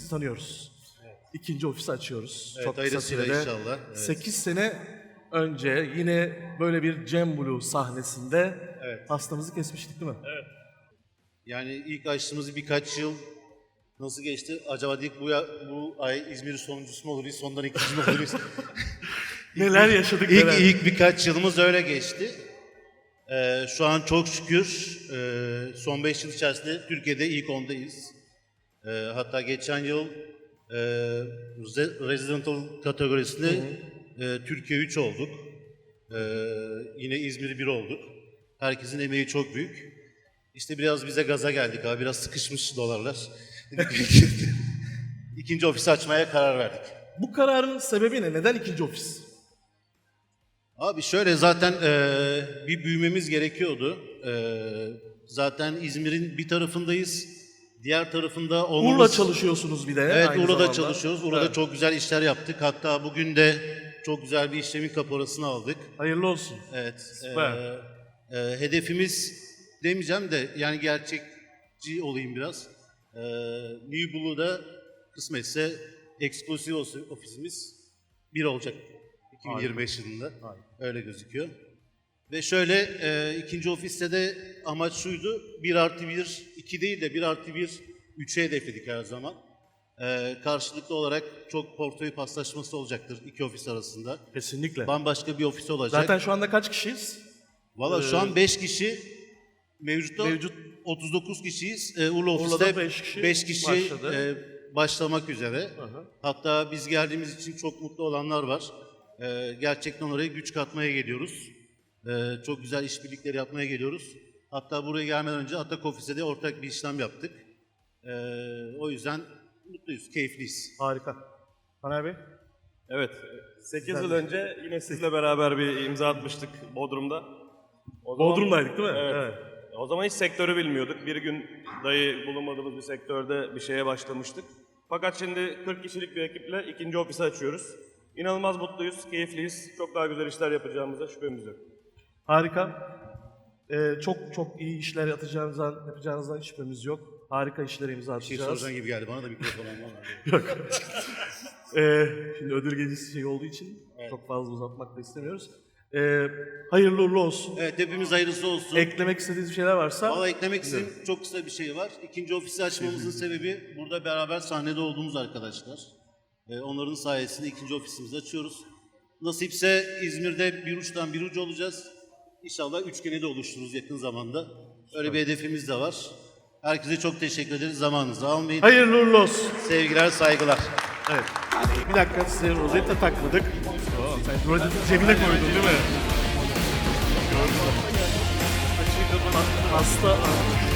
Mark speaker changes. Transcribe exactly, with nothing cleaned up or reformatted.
Speaker 1: tanıyoruz. Evet. İkinci ofisi açıyoruz.
Speaker 2: Evet,
Speaker 1: çok kısa
Speaker 2: hayırlısıyla
Speaker 1: sürede.
Speaker 2: inşallah. Evet.
Speaker 1: sekiz sene önce yine böyle bir Cem Blue sahnesinde
Speaker 2: Evet.
Speaker 1: hastamızı kesmiştik değil mi?
Speaker 2: Evet. Yani ilk açtığımız birkaç yıl nasıl geçti? Acaba dedik bu, ya, bu ay İzmir'in sonuncusu mu oluruz, sondan ikinci mi oluruz?
Speaker 1: Neler yaşadık
Speaker 2: İlk,
Speaker 1: neler.
Speaker 2: ilk birkaç yılımız öyle geçti. Ee, şu an çok şükür e, son beş yıl içerisinde Türkiye'de ilk ondayız. E, hatta geçen yıl e, Residential kategorisinde e, Türkiye üç olduk. E, yine İzmir bir olduk. Herkesin emeği çok büyük. İşte biraz bize gaza geldik abi, biraz sıkışmış dolarlar. İkinci ofisi açmaya karar verdik.
Speaker 1: Bu kararın sebebi ne? Neden ikinci ofis?
Speaker 2: Abi şöyle, zaten e, bir büyümemiz gerekiyordu. E, zaten İzmir'in bir tarafındayız. Diğer tarafında olmamız...
Speaker 1: Urla çalışıyorsunuz bir de.
Speaker 2: Evet,
Speaker 1: aynı
Speaker 2: Urla'da
Speaker 1: zamanda.
Speaker 2: çalışıyoruz. Urla'da
Speaker 1: Evet.
Speaker 2: çok güzel işler yaptık. Hatta bugün de çok güzel bir işlemin kaporasını aldık.
Speaker 1: Hayırlı olsun.
Speaker 2: Evet.
Speaker 1: Süper.
Speaker 2: E, e, hedefimiz demeyeceğim de yani gerçekçi olayım biraz. E, New Blue'da kısmetse eksklusif ofisimiz bir olacak. iki bin yirmi beş yılında.
Speaker 1: Aynen.
Speaker 2: Öyle gözüküyor. Ve şöyle e, ikinci ofiste de amaç şuydu. bir artı bir, iki değil de bir artı bir, üçe hedefledik her zaman. E, karşılıklı olarak çok portföy paslaşması olacaktır iki ofis arasında.
Speaker 1: Kesinlikle.
Speaker 2: Bambaşka bir ofis olacak.
Speaker 1: Zaten şu anda kaç kişiyiz?
Speaker 2: Valla şu an beş kişi, mevcutta
Speaker 1: Mevcut
Speaker 2: otuz dokuz kişiyiz. E, Urla
Speaker 1: Urla'da
Speaker 2: ofiste
Speaker 1: beş kişi
Speaker 2: beş kişi
Speaker 1: başladı.
Speaker 2: e, başlamak üzere.
Speaker 1: Hı hı.
Speaker 2: Hatta biz geldiğimiz için çok mutlu olanlar var. E, gerçekten oraya güç katmaya geliyoruz. E, çok güzel işbirlikleri yapmaya geliyoruz. Hatta buraya gelmeden önce Atak Ofis'e de ortak bir işlem yaptık. E, o yüzden mutluyuz, keyifliyiz.
Speaker 1: Harika. Taner Bey?
Speaker 3: Evet, sekiz yıl önce yine sizle beraber bir imza atmıştık Bodrum'da. O zaman-
Speaker 1: Bodrum'daydık değil mi?
Speaker 3: Evet. O zaman hiç sektörü bilmiyorduk. Bir gün dahi bulunmadığımız bir sektörde bir şeye başlamıştık. Fakat şimdi kırk kişilik bir ekiple ikinci ofisi açıyoruz. İnanılmaz mutluyuz, keyifliyiz. Çok daha güzel işler yapacağımıza şüphemiz yok.
Speaker 1: Harika. Ee, çok çok iyi işler yapacağınızdan, yapacağınızdan hiç şüphemiz yok. Harika işlere imza
Speaker 2: Bir şey
Speaker 1: atacağız.
Speaker 2: soracağın gibi geldi bana da mikrofon almam.
Speaker 1: Yok. Ee, şimdi ödül gecesi şey olduğu için çok fazla uzatmak da istemiyoruz. Ee, hayırlı uğurlu olsun.
Speaker 2: Evet, hepimiz hayırlısı olsun.
Speaker 1: Eklemek istediğiniz bir şeyler varsa.
Speaker 2: Valla eklemek istediğim çok kısa bir şey var. İkinci ofisi açmamızın sebebi burada beraber sahnede olduğumuz arkadaşlar. Ee, onların sayesinde ikinci ofisimizi açıyoruz. Nasipse İzmir'de bir uçtan bir ucu olacağız. İnşallah üçgeni de oluştururuz yakın zamanda. Öyle bir hedefimiz de var. Herkese çok teşekkür ederiz. Zamanınızı almayın.
Speaker 1: Hayırlı uğurlu olsun.
Speaker 2: Sevgiler, saygılar.
Speaker 1: Evet. Bir dakika, size rozette takmadık. Sen rozeti cebine koydun değil mi? Gördüm. Hasta.